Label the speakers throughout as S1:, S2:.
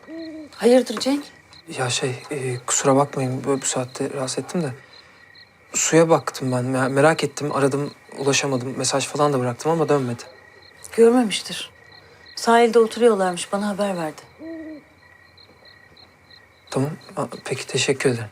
S1: Hayırdır Cenk?
S2: Ya kusura bakmayın böyle bu saatte rahatsız ettim de. Suya baktım ben, merak ettim, aradım, ulaşamadım. Mesaj falan da bıraktım ama dönmedi.
S1: Görmemiştir. Sahilde oturuyorlarmış, bana haber verdi.
S2: Tamam, peki teşekkür ederim.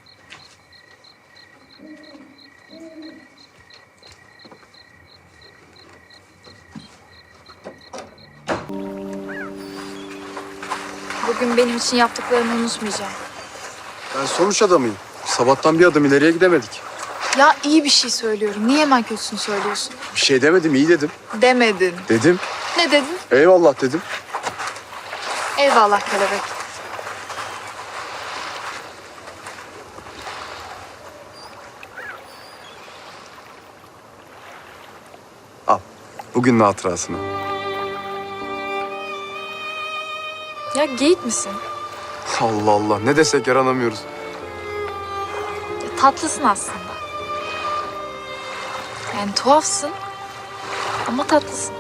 S3: Bugün benim için yaptıklarını unutmayacağım.
S4: Ben sonuç adamıyım. Sabahtan bir adım ileriye gidemedik.
S3: Ya iyi bir şey söylüyorum. Niye hemen kötüsünü söylüyorsun?
S4: Bir şey demedim, iyi dedim.
S3: Demedin.
S4: Dedim.
S3: Ne dedin?
S4: Eyvallah dedim.
S3: Eyvallah kelebek.
S4: Al. Bugünün hatırasını.
S3: Ya geyik misin?
S4: Allah Allah. Ne desek yaranamıyoruz.
S3: Ya, tatlısın aslında. Yani tuhafsın ama tatlısın.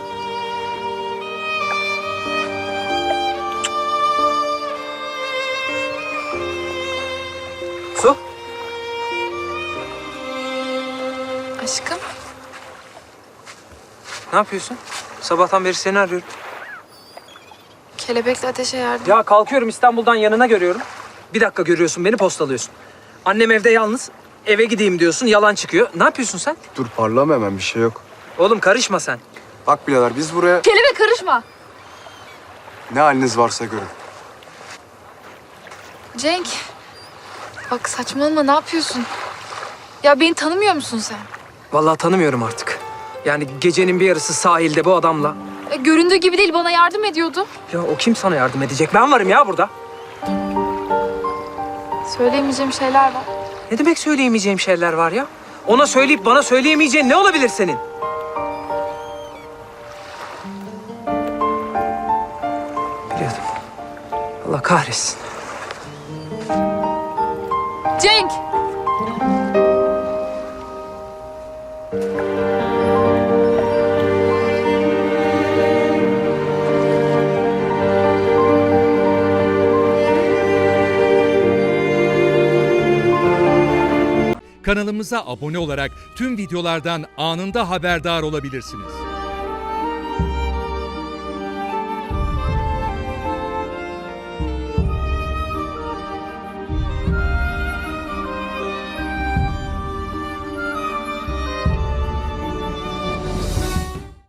S2: Su?
S3: Aşkım.
S2: Ne yapıyorsun? Sabahtan beri seni arıyorum.
S3: Kelebekle ateşe yardım.
S2: Ya kalkıyorum İstanbul'dan yanına görüyorum. Bir dakika görüyorsun beni postalıyorsun. Annem evde yalnız. Eve gideyim diyorsun yalan çıkıyor. Ne yapıyorsun sen?
S4: Dur parlama hemen, bir şey yok.
S2: Oğlum karışma sen.
S4: Bak birader, biz buraya
S3: Kelebek karışma.
S4: ne haliniz varsa görün.
S3: Cenk. Bak saçmalama, ne yapıyorsun? Ya beni tanımıyor musun sen?
S2: Vallahi tanımıyorum artık. Yani gecenin bir yarısı sahilde bu adamla.
S3: Göründüğü gibi değil, bana yardım ediyordu.
S2: Ya o kim sana yardım edecek? Ben varım ya burada.
S3: Söyleyemeyeceğim şeyler var.
S2: Ne demek söyleyemeyeceğim şeyler var ya? Ona söyleyip bana söyleyemeyeceğin ne olabilir senin? Biliyordum. Allah kahretsin.
S3: Cenk!
S5: Kanalımıza abone olarak tüm videolardan anında haberdar olabilirsiniz.